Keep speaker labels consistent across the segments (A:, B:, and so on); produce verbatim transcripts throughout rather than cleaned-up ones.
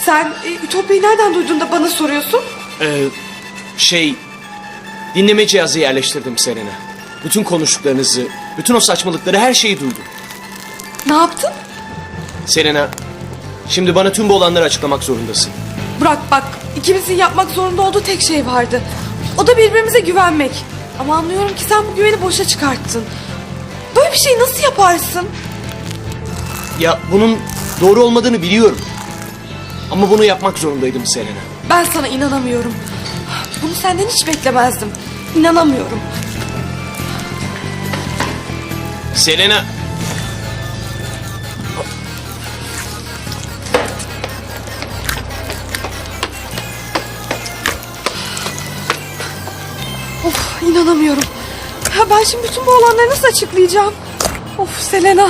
A: Sen e, Ütopya'yı nereden duydun da bana soruyorsun?
B: Ee, şey... Dinleme cihazı yerleştirdim Selena. Bütün konuştuklarınızı, bütün o saçmalıkları, her şeyi duydum.
A: Ne yaptın?
B: Selena, şimdi bana tüm bu olanları açıklamak zorundasın.
A: Burak bak, ikimizin yapmak zorunda olduğu tek şey vardı. O da birbirimize güvenmek. Ama anlıyorum ki sen bu güveni boşa çıkarttın. Böyle bir şeyi nasıl yaparsın?
B: Ya bunun doğru olmadığını biliyorum. Ama bunu yapmak zorundaydım Selena.
A: Ben sana inanamıyorum. Bunu senden hiç beklemezdim. İnanamıyorum.
B: Selena...
A: Of, inanamıyorum. Ya ben şimdi bütün bu olanları nasıl açıklayacağım? Of Selena.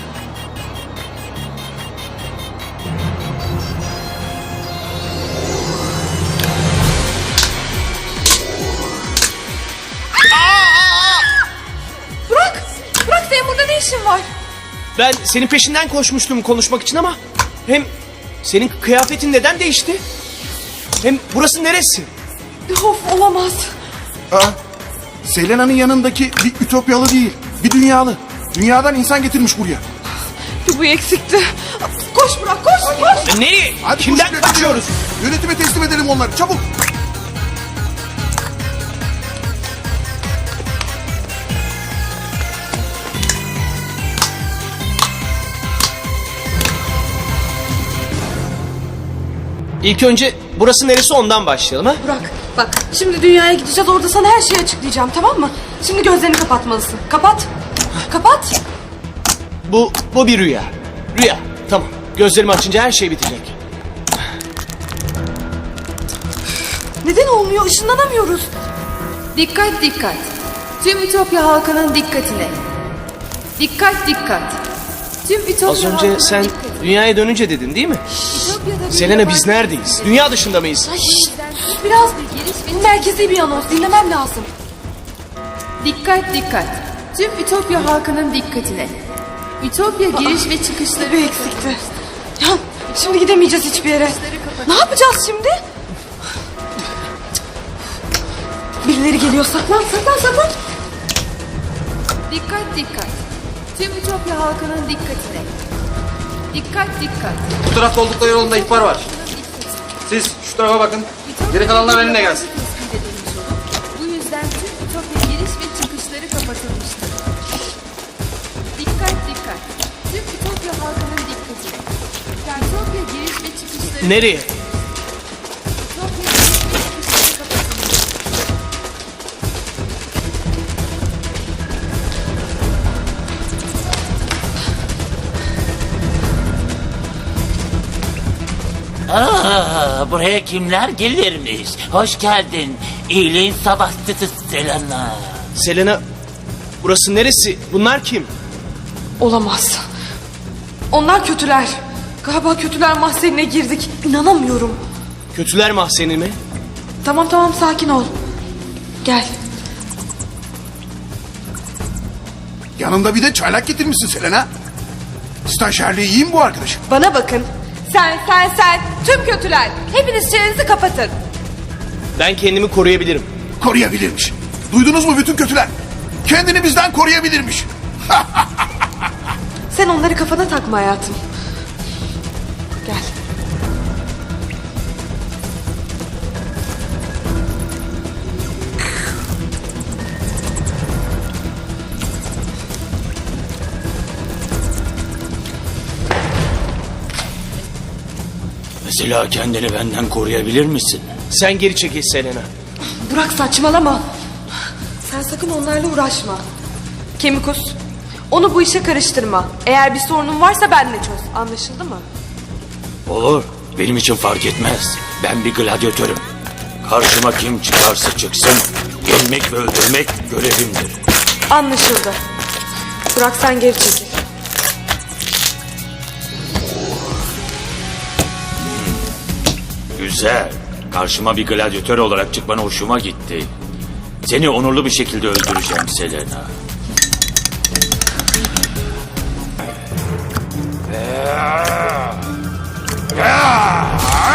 A: Burak! Burak senin burada ne işin var?
B: Ben senin peşinden koşmuştum konuşmak için ama... Hem senin kıyafetin neden değişti? Hem burası neresi?
A: Of olamaz.
C: Aa, Selena'nın yanındaki bir Ütopyalı değil, bir dünyalı. Dünyadan insan getirmiş buraya.
A: Bu eksikti. Koş Burak koş koş.
B: E, nereye?
C: Hadi
B: Kimden
C: koşun,
B: kaçıyoruz?
C: Yönetime teslim edelim onları, çabuk.
B: İlk önce burası neresi ondan başlayalım ha?
A: Burak bak şimdi dünyaya gideceğiz, orada sana her şeyi açıklayacağım, tamam mı? Şimdi gözlerini kapatmalısın. Kapat. Kapat.
B: Bu, bu bir rüya. Rüya, tamam. Gözlerimi açınca her şey bitecek.
A: Neden olmuyor? Işınlanamıyoruz.
D: Dikkat dikkat. Tüm Ütopya halkının dikkatine. Dikkat dikkat. Tüm Ütopya
B: Az önce
D: halkının
B: sen
D: dikkatine.
B: dünyaya dönünce dedin değil mi?
D: Ütopya'da bir
B: Selena biz
D: yabancı-
B: neredeyiz? Dünya dışında mıyız?
A: Ay, şşt, biraz bu merkezi bir anons, dinlemem lazım.
D: Dikkat dikkat. Tüm Ütopya halkının dikkatine. Ütopya giriş ve çıkışları
A: Bir eksikti. Ya şimdi gidemeyeceğiz hiçbir yere. Ne yapacağız şimdi? Birileri geliyor, saklan saklan saklan.
D: Dikkat dikkat. Tüm Ütopya halkının dikkatine. Dikkat dikkat.
E: Bu tarafta oldukları yolunda ihbar var. Siz şu tarafa bakın. Geri kalanlar benimle gelsin.
D: Tespit edilmiş olup, bu yüzden tüm Ütopya giriş ve çıkışları kapatılmıştır. Dikkat dikkat. Tüm Ütopya halkının dikkatine. Ütopya giriş ve çıkışları
B: Nereye?
D: Ütopya giriş ve çıkışları kapatılmıştır.
F: Aa, buraya kimler gelirmiş? Hoş geldin. İyiliğin sabahçısı Selena.
B: Selena, burası neresi? Bunlar kim?
A: Olamaz. Onlar kötüler. Galiba kötüler mahzenine girdik. İnanamıyorum.
B: Kötüler mahzeni mi?
A: Tamam tamam sakin ol. Gel.
C: Yanında bir de çaylak getirmişsin Selena. Stajyerliği iyi mi bu arkadaşım?
A: Bana bakın. Sen sen sen tüm kötüler. Hepiniz çenenizi kapatın.
B: Ben kendimi koruyabilirim.
C: Koruyabilirmiş. Duydunuz mu bütün kötüler? Kendini bizden koruyabilirmiş.
A: Sen onları kafana takma hayatım. Gel.
F: Mesela kendini benden koruyabilir misin?
B: Sen geri çekil Selena.
A: Burak saçmalama. Sen sakın onlarla uğraşma. Kemikus, onu bu işe karıştırma. Eğer bir sorunun varsa benle çöz. Anlaşıldı mı?
F: Olur. Benim için fark etmez. Ben bir gladyatörüm. Karşıma kim çıkarsa çıksın, yenmek ve öldürmek görevimdir.
A: Anlaşıldı. Burak sen geri çekil.
F: Güzel. Karşıma bir gladyatör olarak çıkman hoşuma gitti. Seni onurlu bir şekilde öldüreceğim Selena.
C: Ah!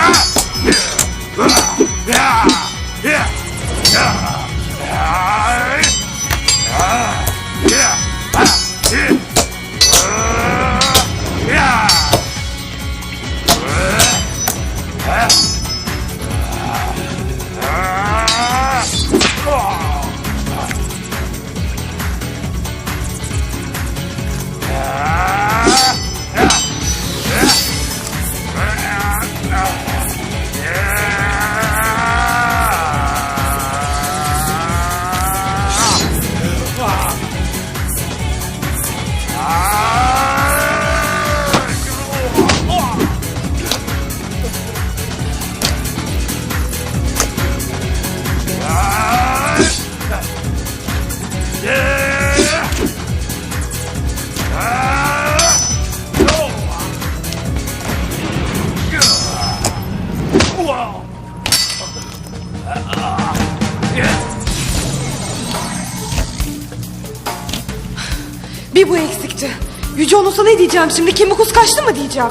A: Bir bu eksikti. Yüce Onos'a ne diyeceğim şimdi? Kimbukus kaçtı mı diyeceğim?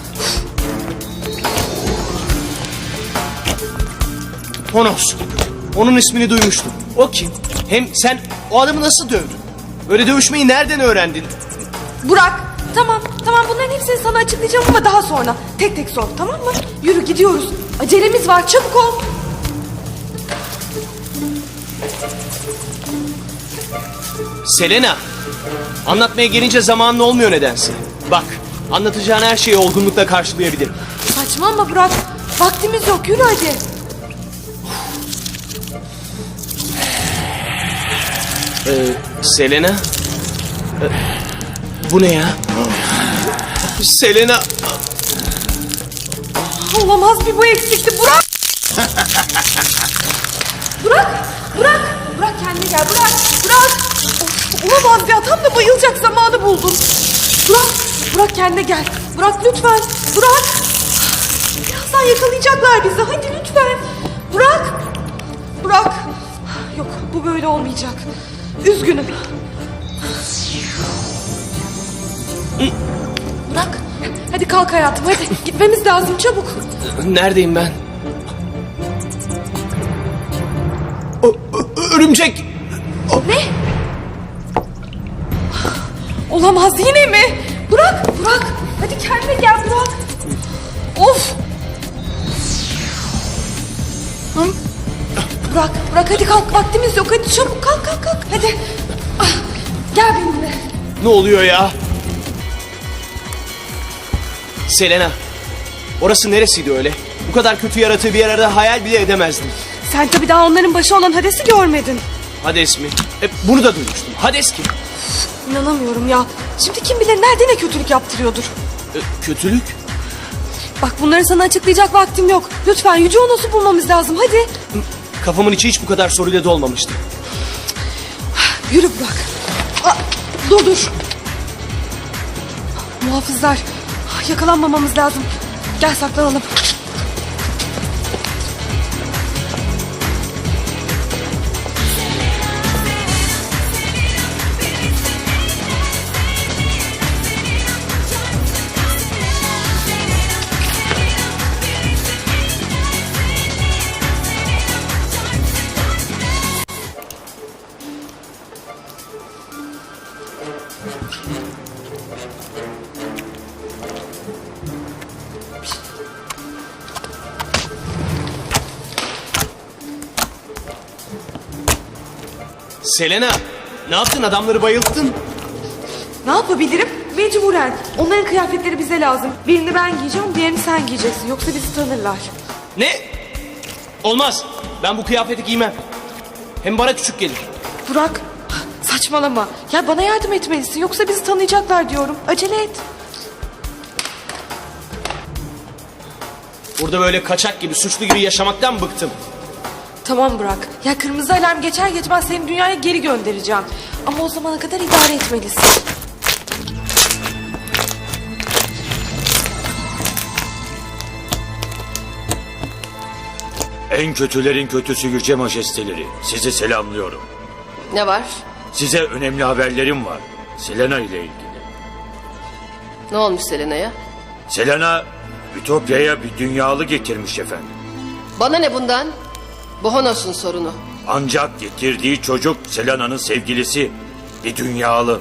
B: Honos. Onun ismini duymuştum. O kim? Hem sen o adamı nasıl dövdün? Böyle dövüşmeyi nereden öğrendin?
A: Burak, tamam tamam bunların hepsini sana açıklayacağım ama daha sonra. Tek tek sor, tamam mı? Yürü gidiyoruz. Acelemiz var, çabuk ol.
B: Selena. Anlatmaya gelince zamanın olmuyor nedense. Bak, anlatacağın her şeyi olgunlukla karşılayabilirim.
A: Saçmalama Burak. Vaktimiz yok, yürü hadi.
B: Ee, Selena? Ee, bu ne ya? Selena.
A: Olamaz, bir bu eksikti. Burak! Burak! Burak! Burak kendine gel, Burak! Burak! Of, olamaz ya, tam da bayılacak zamanı buldum. Burak! Burak kendine gel. Burak lütfen! Burak! Birazdan yakalayacaklar bizi, hadi lütfen! Burak! Burak! Yok, bu böyle olmayacak. Üzgünüm. Burak! Hadi kalk hayatım, hadi. Gitmemiz lazım, çabuk.
B: Neredeyim ben? Ö- ö- örümcek!
A: Ne? Olamaz, yine mi? Burak, Burak. Hadi kendine gel Burak. Of. Hı? Burak, Burak hadi kalk. Vaktimiz yok. Hadi çabuk kalk kalk kalk. Hadi. Ah, gel benimle.
B: Ne oluyor ya? Selena. Orası neresiydi öyle? Bu kadar kötü yaratığı bir arada hayal bile edemezdim.
A: Sen tabii daha onların başı olan Hades'i görmedin.
B: Hades mi? Hep bunu da duymuştum. Hades kim?
A: İnanamıyorum ya. Şimdi kim bilir nerede ne kötülük yaptırıyordur.
B: Ee, kötülük?
A: Bak bunları sana açıklayacak vaktim yok. Lütfen Yüce Onos'u bulmamız lazım, hadi.
B: Kafamın içi hiç bu kadar soruyla dolmamıştı.
A: Yürü Burak. Aa, dur dur. Muhafızlar. Yakalanmamamız lazım. Gel saklanalım.
B: Selena, ne yaptın? Adamları bayılttın.
A: Ne yapabilirim? Mecburen. Onların kıyafetleri bize lazım. Birini ben giyeceğim, diğerini sen giyeceksin. Yoksa bizi tanırlar.
B: Ne? Olmaz. Ben bu kıyafeti giymem. Hem bana küçük gelir.
A: Burak, saçmalama. Ya bana yardım etmelisin. Yoksa bizi tanıyacaklar diyorum. Acele et.
B: Burada böyle kaçak gibi, suçlu gibi yaşamaktan bıktım.
A: Tamam Burak. Ya kırmızı alarm geçer geçmez seni dünyaya geri göndereceğim. Ama o zamana kadar idare etmelisin.
F: En kötülerin kötüsü yüce majesteleri. Sizi selamlıyorum.
G: Ne var?
F: Size önemli haberlerim var. Selena ile ilgili.
G: Ne olmuş Selena'ya?
F: Selena Ütopya'ya bir dünyalı getirmiş efendim.
G: Bana ne bundan? Bu Honos'un sorunu.
F: Ancak getirdiği çocuk Selena'nın sevgilisi. Bir dünyalı.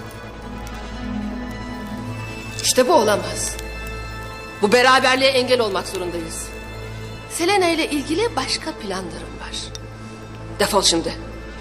G: İşte bu olamaz. Bu beraberliğe engel olmak zorundayız. Selena ile ilgili başka planlarım var. Defol şimdi.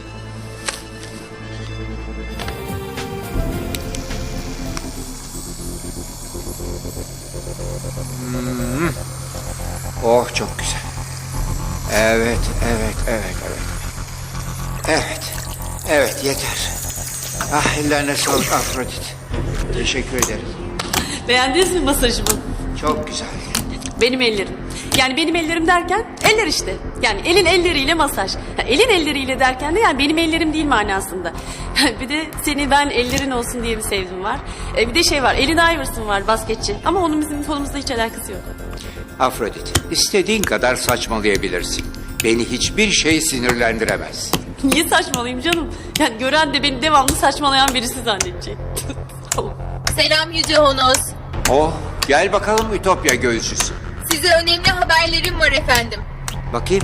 H: Oh çok güzel. Evet, evet, evet, evet. Evet, evet yeter. Ah ellerine sağlık Afrodit. Teşekkür ederim.
I: Beğendiniz mi masajımı?
H: Çok güzel.
I: Benim ellerim. Yani benim ellerim derken eller işte. Yani elin elleriyle masaj. Ha, elin elleriyle derken de yani benim ellerim değil manasında. Bir de seni ben ellerin olsun diye bir sevdim var. E, bir de şey var, Allen Iverson var basketçi. Ama onun bizim konumuzda hiç alakası yok.
H: Afrodit, istediğin kadar saçmalayabilirsin. Beni hiçbir şey sinirlendiremez.
I: Niye saçmalayayım canım? Yani gören de beni devamlı saçmalayan birisi zannedecek. Tamam.
J: Selam Yüce Honos.
H: Oh, gel bakalım Ütopya göğsüsü.
J: Size önemli haberlerim var efendim.
H: Bakayım.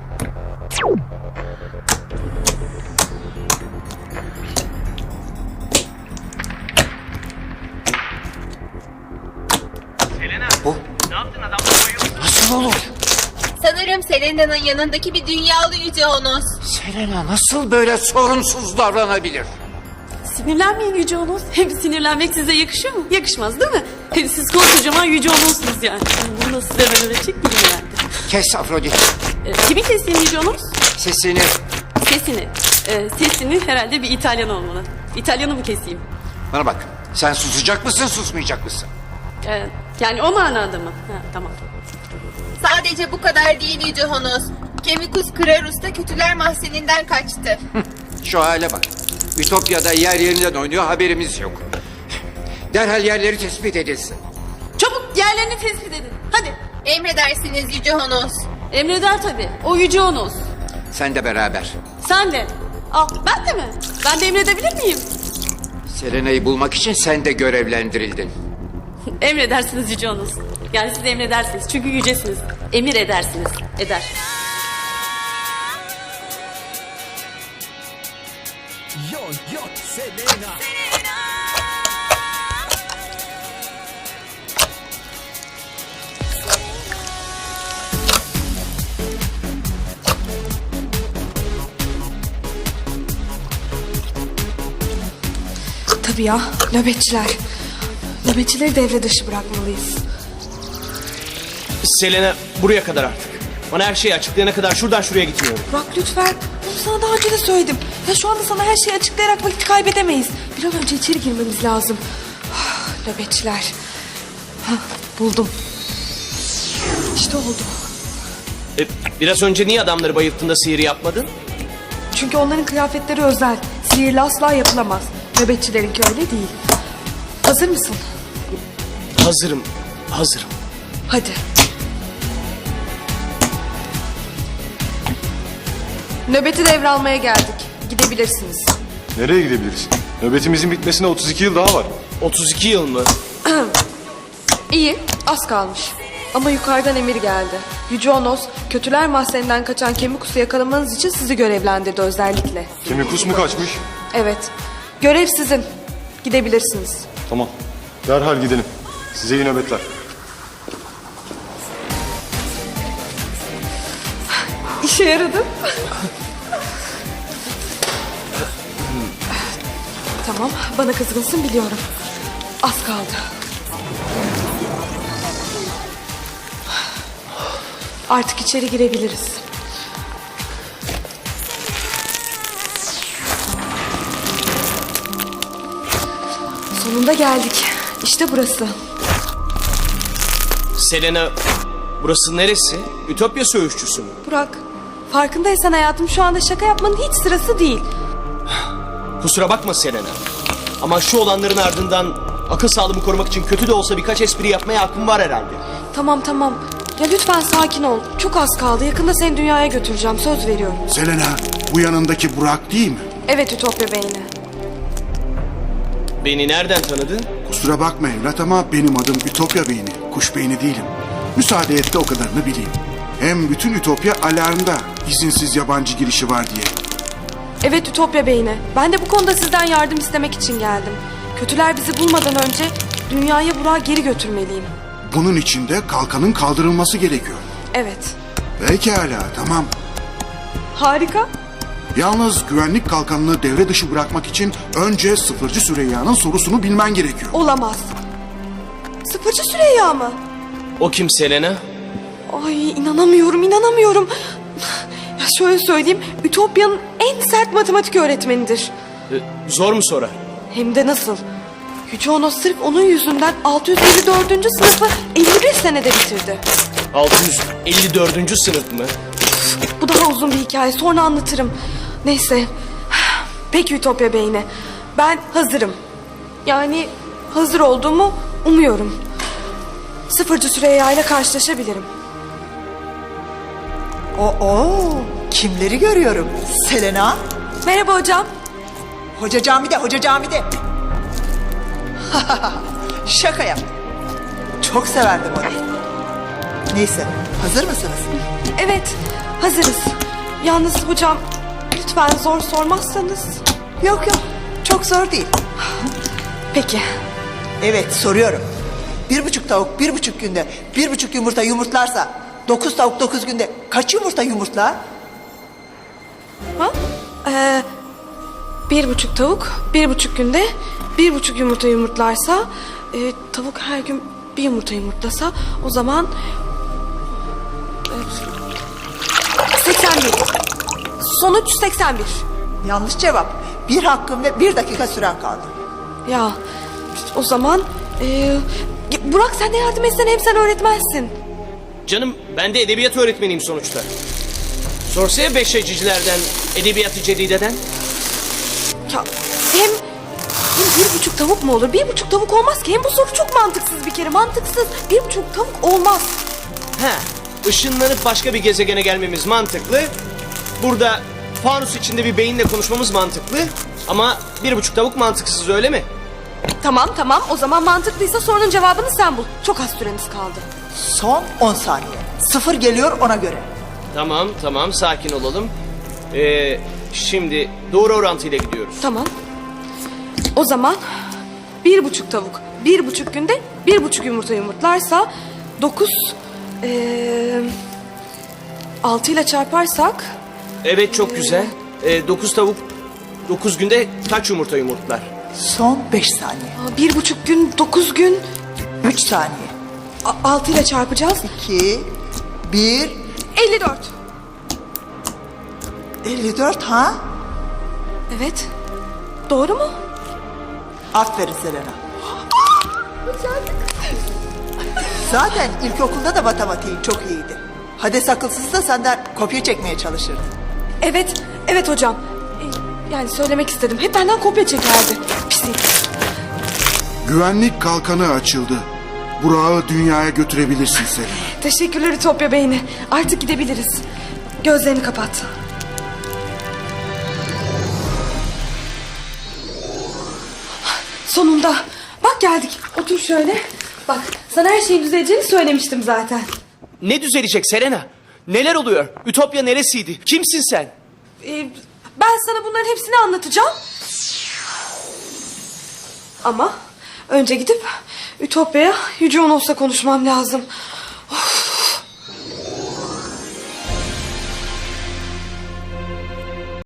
H: Bu nasıl olur?
J: Sanırım Selena'nın yanındaki bir dünyalı Yüce Honos.
H: Selena nasıl böyle sorunsuz davranabilir?
I: Sinirlenmeyin Yüce Onos. Hem sinirlenmek size yakışıyor mu? Yakışmaz değil mi? Hem siz koskocaman Yüce Onos'sunuz yani. Bunu nasıl size öğretecek miyim yani?
H: Kes Afrodit.
I: Ee, kimi keseyim Yüce Onos?
H: Sesini.
I: Sesini. Ee, sesini herhalde bir İtalyan olmalı. İtalyanı mı keseyim?
H: Bana bak. Sen susacak mısın, susmayacak mısın?
I: Ee, yani o manada mı? Ha, tamam.
J: Sadece bu kadar değil Yüce Honos. Kemikus Krarus da kötüler mahzeninden kaçtı.
H: Şu hale bak. Ütopya'da yer yerinden oynuyor, haberimiz yok. Derhal yerleri tespit edilsin.
I: Çabuk yerlerini tespit edin. Hadi.
J: Emredersiniz Yüce Honos.
I: Emreder tabii. O Yüce Onos.
H: Sen de beraber.
I: Sen de. Al ben de mi? Ben de emredebilir miyim?
H: Selena'yı bulmak için sen de görevlendirildin.
I: Emredersiniz Yüce Onos. Yani siz emredersiniz. Çünkü yücesiniz. Emir edersiniz. Eder.
B: Yo yo Selena.
A: Tabii ya, nöbetçiler. Nöbetçileri devre dışı bırakmalıyız.
B: Selena buraya kadar artık. Bana her şeyi açıklayana kadar şuradan şuraya gitmiyorum.
A: Burak lütfen. Bunu sana daha önce de söyledim. Ya şu anda sana her şeyi açıklayarak vakit kaybedemeyiz. Bir an önce içeri girmemiz lazım. Ah, nöbetçiler. Hah, buldum. İşte oldu.
B: E, biraz önce niye adamları bayılttığında sihir yapmadın?
A: Çünkü onların kıyafetleri özel. Sihirle asla yapılamaz. Nöbetçilerinki öyle değil. Hazır mısın?
B: Hazırım, hazırım.
A: Hadi. Nöbeti devralmaya geldik. Gidebilirsiniz.
K: Nereye gidebiliriz? Nöbetimizin bitmesine otuz iki yıl daha var.
B: otuz iki yıl mı?
A: İyi, az kalmış. Ama yukarıdan emir geldi. Yüce Onos, kötüler mahzeninden kaçan Kemikus'u yakalamanız için sizi görevlendirdi özellikle.
K: Kemikus mu kaçmış?
A: Evet, görev sizin. Gidebilirsiniz.
K: Tamam. Derhal gidelim. Size iyi nöbetler.
A: İşe yaradı. Tamam, bana kızgınsın biliyorum. Az kaldı. Artık içeri girebiliriz. Sonunda geldik. İşte burası.
B: Selena, burası neresi? Ütopya söğüşçüsü mü?
A: Burak, farkındaysan hayatım şu anda şaka yapmanın hiç sırası değil.
B: Kusura bakma Selena. Ama şu olanların ardından akıl sağlığımı korumak için kötü de olsa birkaç espri yapmaya hakkım var herhalde.
A: Tamam tamam. Ya lütfen sakin ol. Çok az kaldı. Yakında seni dünyaya götüreceğim. Söz veriyorum.
C: Selena, bu yanındaki Burak değil mi?
A: Evet Ütopya beyni.
B: Beni nereden tanıdın?
C: Kusura bakma evlat ama benim adım Ütopya Beyni. Kuş beyni değilim. Müsaade et de o kadarını bileyim. Hem bütün Ütopya alarmda izinsiz yabancı girişi var diye.
A: Evet Ütopya beyni. Ben de bu konuda sizden yardım istemek için geldim. Kötüler bizi bulmadan önce dünyaya Burak'ı geri götürmeliyim.
C: Bunun için de kalkanın kaldırılması gerekiyor.
A: Evet.
C: Pekala, tamam.
A: Harika.
C: Yalnız güvenlik kalkanını devre dışı bırakmak için önce Sıfırcı Süreyya'nın sorusunu bilmen gerekiyor.
A: Olamaz. Sıfırcı Süreyya mı?
B: O kim Selena?
A: Ay inanamıyorum inanamıyorum. Ya şöyle söyleyeyim. Ütopya'nın en sert matematik öğretmenidir.
B: Ee, zor mu sorar?
A: Hem de nasıl? Yüce Onos sırf onun yüzünden altı yüz elli dördüncü sınıfı elli bir senede bitirdi.
B: altı yüz elli dördüncü sınıf mı?
A: Bu daha uzun bir hikaye. Sonra anlatırım. Neyse. Peki Ütopya beyni. Ben hazırım. Yani hazır olduğumu umuyorum. Sıfırcı Süreyya ile karşılaşabilirim. Oo,
L: Kimleri görüyorum? Selena.
A: Merhaba hocam.
L: Hoca camide, hoca camide. Şaka yap. Çok severdim onu. Neyse, hazır mısınız?
A: Evet, hazırız. Yalnız hocam, lütfen zor sormazsanız.
L: Yok yok, çok zor değil.
A: Peki.
L: Evet, soruyorum. Bir buçuk tavuk bir buçuk günde bir buçuk yumurta yumurtlarsa... ...dokuz tavuk dokuz günde kaç yumurta yumurtlar?
A: Ha? Ee, bir buçuk tavuk bir buçuk günde bir buçuk yumurta yumurtlarsa... E, ...tavuk her gün bir yumurta yumurtlasa... ...o zaman... E, seksen bir. Sonuç seksen bir.
L: Yanlış cevap. Bir hakkım ve bir dakika süren kaldı.
A: Ya o zaman... E, Burak sen de yardım etsen, hem sen öğretmensin.
B: Canım ben de edebiyat öğretmeniyim sonuçta. Sorsa ya beşecicilerden, edebiyatı cedideden.
A: Ya hem, hem bir buçuk tavuk mu olur? Bir buçuk tavuk olmaz ki. Hem bu soru çok mantıksız bir kere. Mantıksız. Bir buçuk tavuk olmaz.
B: He, ışınlanıp başka bir gezegene gelmemiz mantıklı. Burada fanus içinde bir beyinle konuşmamız mantıklı. Ama bir buçuk tavuk mantıksız, öyle mi?
A: Tamam tamam, o zaman mantıklıysa sorunun cevabını sen bul. Çok az süremiz kaldı.
L: Son on saniye. Sıfır geliyor ona göre.
B: Tamam tamam, sakin olalım. Ee, şimdi doğru orantıyla gidiyoruz.
A: Tamam. O zaman bir buçuk tavuk bir buçuk günde bir buçuk yumurta yumurtlarsa dokuz ee, altı ile çarparsak
B: Evet, çok güzel. Ee, dokuz tavuk dokuz günde kaç yumurta yumurtlar?
L: Son beş saniye.
A: aa, bir buçuk gün dokuz gün
L: Üç saniye.
A: a- altı ile çarpacağız.
L: İki, bir,
A: elli dört.
L: elli dört ha?
A: Evet. Doğru mu?
L: Aferin Selena. Zaten ilkokulda da matematiğin çok iyiydi. Hades akılsız da senden kopya çekmeye çalışırdı.
A: Evet, evet hocam. Ee, Yani söylemek istedim. Hep benden kopya çekerdi. Pislik.
C: Güvenlik kalkanı açıldı. Burak'ı dünyaya götürebilirsin Selena.
A: Teşekkürler Ütopya Beyni. Artık gidebiliriz. Gözlerini kapat. Sonunda. Bak geldik. Otur şöyle. Bak sana her şeyin düzeleceğini söylemiştim zaten.
B: Ne düzelecek Selena? Neler oluyor? Ütopya neresiydi? Kimsin sen?
A: Ee, ben sana bunların hepsini anlatacağım. Ama önce gidip Ütopya'ya Yüce Onos'la konuşmam lazım.